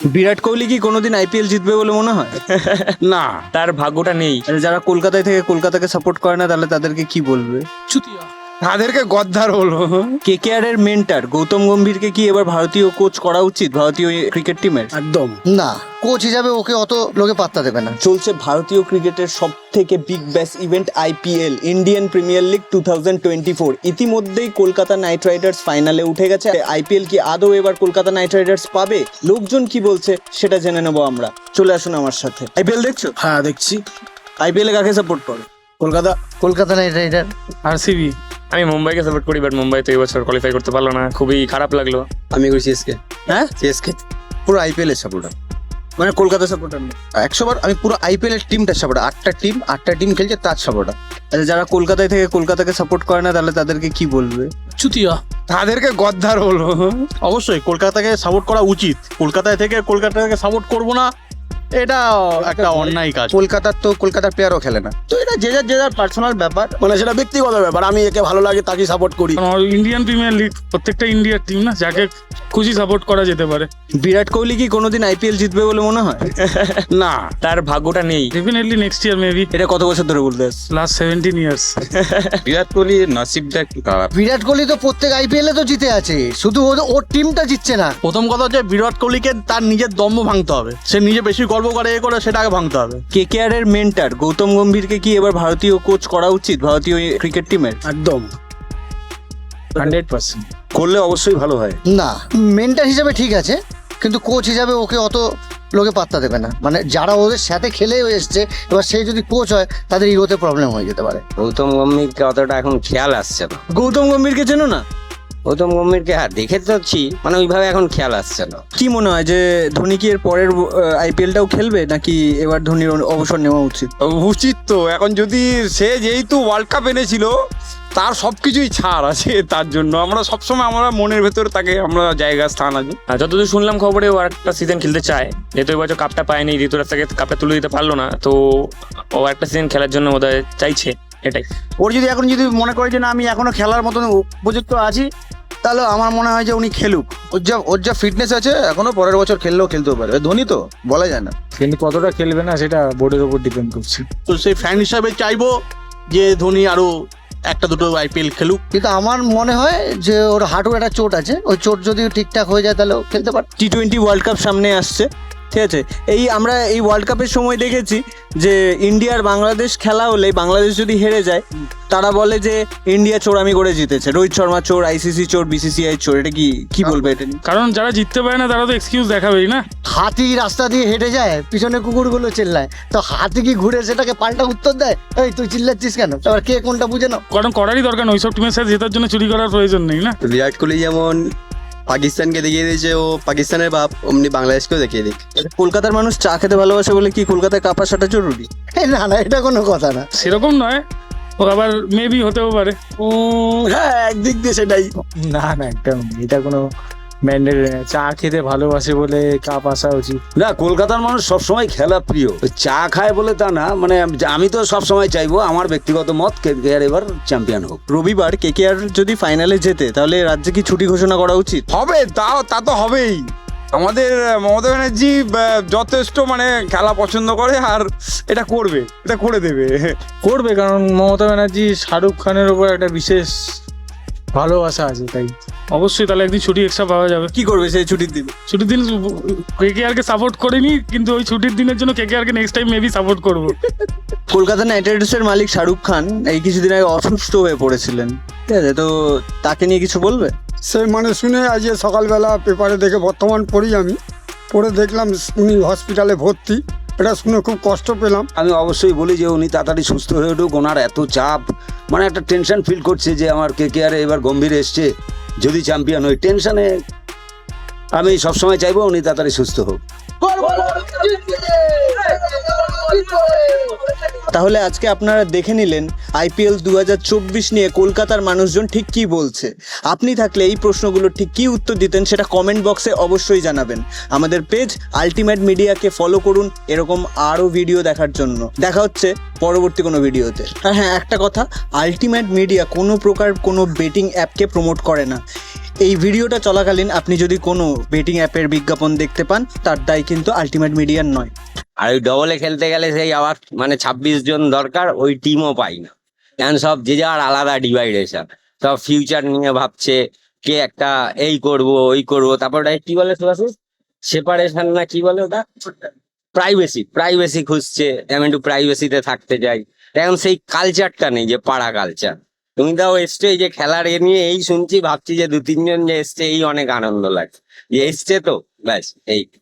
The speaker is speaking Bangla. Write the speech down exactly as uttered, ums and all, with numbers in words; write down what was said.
বিরাট কোহলি কি কোনোদিন আইপিএল জিতবে বলে মনে হয়? না, তার ভাগ্যটা নেই। আর যারা কলকাতায় থেকে কলকাতাকে সাপোর্ট করে না তাহলে তাদেরকে কি বলবে? চুতিয়া তাদেরকে গদ্দার হলো। কেকেআর এর মেন্টার গৌতম গম্ভীরকে কি এবার ভারতীয় কোচ করা উচিত ভারতীয় ক্রিকেট টিমের? একদম না, কোচ হিসাবে ওকে অত লোকে পাত্তা দেবে না। চলছে ভারতীয় ক্রিকেটের সব থেকে Big Bash event IPL, Indian Premier League two thousand twenty four. ইতিমধ্যেই কলকাতা নাইট রাইডার্স ফাইনালে উঠে গেছে। আইপিএল কি আদৌ এবার কলকাতা নাইট রাইডার্স পাবে? লোকজন কি বলছে সেটা জেনে নেবো আমরা। চলে আসুন আমার সাথে। আইপিএল দেখছো? হ্যাঁ দেখছি। আইপিএল এ কাকে সাপোর্ট করো? Kolkata Kolkata Knight Rider. RCB. আমি মুম্বাইকে সাপোর্ট করি, বাট মুম্বাই তো এই বছর কোয়ালিফাই করতে পারলো না, খুবই খারাপ লাগলো। আমি করি সিএসকে। হ্যাঁ, সিএসকে পুরো আইপিএল এর সাপোর্টার, মানে কলকাতা সাপোর্টার না। একশো বার আমি পুরো আইপিএল এর টিমটা সাপোর্টার। আটটা টিম আটটা টিম খেলছে তার সাপোর্টার। আচ্ছা, যারা কলকাতায় থেকে কলকাতাকে সাপোর্ট করে না তাহলে তাদেরকে কি বলবে? চুতিয়া। তাদেরকে গদ্দার হলো। অবশ্যই কলকাতাকে সাপোর্ট করা উচিত। কলকাতায় থেকে কলকাতাকে সাপোর্ট করব না, এটা একটা অন্যায় কাজ। কলকাতার তো কলকাতার প্লেয়ারও খেলে না, তো এটা যে যার যে যার পার্সোনাল ব্যাপার। মানে সেটা ব্যক্তিগত ব্যাপার, আমি একে ভালো লাগে তাকে সাপোর্ট করি। ইন্ডিয়ান প্রিমিয়ার লিগ প্রত্যেকটা ইন্ডিয়ার টিম না, যাকে খুশি সাপোর্ট করা যেতে পারে। বিরাট কোহলি কি কোনোদিন আইপিএল জিতবে বলে মনে হয়? না, তার ভাগ্যটা নেই। Definitely next year maybe. এটা কত বছর ধরে বলতে আসছে? Last seventeen years. বিরাট কোহলির নসিবটা একটু খারাপ। বিরাট কোহলি তো প্রত্যেক আইপিএল এ তো জিতে আছে, শুধু ও- ওর টিমটা জিতছে না। প্রথম কথা হচ্ছে বিরাট কোহলিকে তার নিজের দম্ভ ভাঙতে হবে। সে নিজে বেশি গর্ব করে এ করে সেটাকে ভাঙতে হবে। কেকেআর এর মেন্টার গৌতম গম্ভীরকে কি এবার ভারতীয় কোচ করা উচিত ভারতীয় ক্রিকেট টিমের? একদম হান্ড্রেড পার্সেন্ট করলে অবশ্যই ভালো হয়। না, মেন্টার হিসাবে ঠিক আছে, কিন্তু কোচ হিসাবে ওকে অত লোকে পাত্তা দেবে না। মানে যারা ওদের সাথে খেলে এসছে, এবার সেই যদি কোচ হয় তাদের ইগোতে প্রবলেম হয়ে যেতে পারে। গৌতম গম্ভীরকে অতটা এখন খেয়াল আসছে না। গৌতম গম্ভীরকে চেনো না? গৌতম গম্ভীরকে হ্যাঁ দেখে তোছি, মানে ওইভাবে এখন খেয়াল আসছে না। কি মনে হয় যে ধোনি কি এর পরের আইপিএলটাও খেলবে নাকি এবার ধোনির অবসর নেওয়া উচিত? উচিত তো। এখন যদি সে যেহেতু ওয়ার্ল্ড কাপ এনেছিল, তার সবকিছুই ছাড় আছে, তার জন্য আমরা সবসময় আমরা মনের ভেতরে তাকে আমরা জায়গা স্থান আছে। আর যতদূর শুনলাম খবরে ও একটা সিজন খেলতে চায়, যেহেতু এবছর কাপটা পায়নি, ঋতুরাজ তাকে কাপটা তুলে দিতে পারলো না, তো ও একটা সিজন খেলার জন্য বোধহয় চাইছে, এটাই। ওর যদি এখন যদি মনে করে যে না আমি এখনো খেলার মতন উপযুক্ত আছি, তাহলে আমার মনে হয় যে উনি খেলুক। ওর যা ওর যা ফিটনেস আছে, এখনো পরের বছর খেললেও খেলতেও পারে। ধোনি তো বলা যায় না। কিন্তু কতটা খেলবে না সেটা বোর্ডের উপর ডিপেন্ড করছে। তো সেই ফ্যান হিসাবে চাইবো যে ধোনি আরো একটা দুটো আইপিএল খেলুক। কিন্তু আমার মনে হয় যে ওর হাঁটুর একটা চোট আছে, ওই চোট যদি ঠিকঠাক হয়ে যায় তাহলে ও খেলতে পারে। টি টোয়েন্টি ওয়ার্ল্ড কাপ সামনে আসছে, ঠিক আছে? এই আমরা এই ওয়ার্ল্ড কাপের সময় দেখেছি যে ইন্ডিয়ার বাংলাদেশ খেলা হলে বাংলাদেশ যদি হেরে যায় তারা বলে যে ইন্ডিয়া চোরামি করে জিতেছে, রোহিত শর্মা চোর, আইসিসি চোর, বিসিসিআই চোর। এটা কি কি বলবে এটা নিয়ে? কারণ যারা জিততে পারে না তারা তো এক্সকিউজ দেখাবেই না। হাতি রাস্তা দিয়ে হেঁটে যায়, পিছনে কুকুরগুলো চিল্লায়, তো হাতি কি ঘুরে সেটাকে পাল্টা উত্তর দেয়, এই তুই চিল্লাচ্ছিস কেন? এবার কে কোনটা বুঝে নাও। কারণ করারই দরকার নয়, ওইসব টিমের সাথে জেতার জন্য চুরি করার প্রয়োজন নেই না। বিরাট কোহলি যেমন পাকিস্তানকে দেখিয়ে দিয়েছে ও পাকিস্তানের বাপ, অমনি বাংলাদেশকেও দেখিয়ে দিক। কলকাতার মানুষ চা খেতে ভালোবাসে বলে কি কলকাতায় কাপ আসাটা জরুরি? এই না না, এটা কোনো কথা না। সেরকম নয়, ও আবার মেবি হতেও পারে। উম, হ্যাঁ একদিক দিয়ে সেটাই। না না, একদম এটা কোনো ম্যান্ডেটরি না। চা খেতে ভালোবাসে বলে কাপ আসা উচিত না, কলকাতার মানুষ সবসময় খেলা প্রিয়। ওই চা খায় বলে তা না, মানে আমি তো সবসময় চাইবো, আমার ব্যক্তিগত মত, কেকেআর এবার চ্যাম্পিয়ন হোক। রবিবার কেকেআর যদি ফাইনালে জেতে তাহলে রাজ্যে কি ছুটি ঘোষণা করা উচিত? হবে, তা তা তো হবেই। আমাদের মমতা ব্যানার্জি আহ, যথেষ্ট মানে খেলা পছন্দ করে, আর এটা করবে, এটা করে দেবে। করবে, কারণ মমতা ব্যানার্জি শাহরুখ খানের উপর একটা বিশেষ ভালোবাসা আছে, তাই অবশ্যই তাহলে একদিন ছুটি এক্সট্রা পাওয়া যাবে। কি করবে সেই ছুটির দিন? ছুটির দিন কেকেআর কে সাপোর্ট করিনি, কিন্তু ওই ছুটির দিনের জন্য কেকেআর কে নেক্সট টাইম মেবি সাপোর্ট করবো। কলকাতা নাইট রাইডার্সের মালিক শাহরুখ খান এই কিছুদিন আগে অসুস্থ হয়ে পড়েছিলেন, ঠিক আছে? তো তাকে নিয়ে কিছু বলবে? সেই মানে শুনে আজ সকালবেলা পেপারে দেখে বর্তমান পড়ি আমি, পড়ে দেখলাম উনি হসপিটালে ভর্তি। এটা শুনে খুব কষ্ট পেলাম। আমি অবশ্যই বলি যে উনি তাড়াতাড়ি সুস্থ হয়ে উঠুক। ওনার এত চাপ, মানে একটা টেনশন ফিল করছে যে আমার কেকেআর এবার গম্ভীর এসছে, যদি চ্যাম্পিয়ন হই, টেনশনে। আমি সবসময় চাইবো উনি তাড়াতাড়ি সুস্থ হোক। তাহলে আজকে আপনারা দেখে নিলেন আইপিএল দু হাজার চব্বিশ নিয়ে কলকাতার মানুষজন ঠিক কি বলছে। আপনি থাকলে এই প্রশ্নগুলোর ঠিক কি উত্তর দিতেন সেটা কমেন্ট বক্সে অবশ্যই জানাবেন। আমাদের পেজ আলটিমেট মিডিয়াকে ফলো করুন এরকম আরও ভিডিও দেখার জন্য। দেখা হচ্ছে পরবর্তী কোনো ভিডিওতে। আর হ্যাঁ, একটা কথা, আলটিমেট মিডিয়া কোনো প্রকার কোনো বেটিং অ্যাপকে প্রমোট করে না। এই ভিডিওটা চলাকালীন আপনি যদি কোনো বেটিং অ্যাপের বিজ্ঞাপন দেখতে পান তার দায় কিন্তু আলটিমেট মিডিয়ার নয়। আর ওই ডবলে খেলতে গেলে সেই আবার মানে ছাব্বিশ জন দরকার, ওই টিমও পাই না, কারণ সব যে যার আলাদা ডিভাইডেশন, সব ফিউচার নিয়ে ভাবছে, কে একটা এই করব ওই করব, তারপর ওটা কি বলে সুভাষিস, সেপারেশন না কি বলে ওটা, প্রাইভেসি প্রাইভেসি খুঁজছে, আমি একটু প্রাইভেসিতে থাকতে চাই। এখন সেই কালচারটা নেই যে পাড়া কালচার। তুমি তাও এসছে এই যে খেলার এ নিয়ে এই শুনছি, ভাবছি যে দু তিনজন যে এসছে এই অনেক আনন্দ লাগছে, যে এসছে তো ব্যাস এই।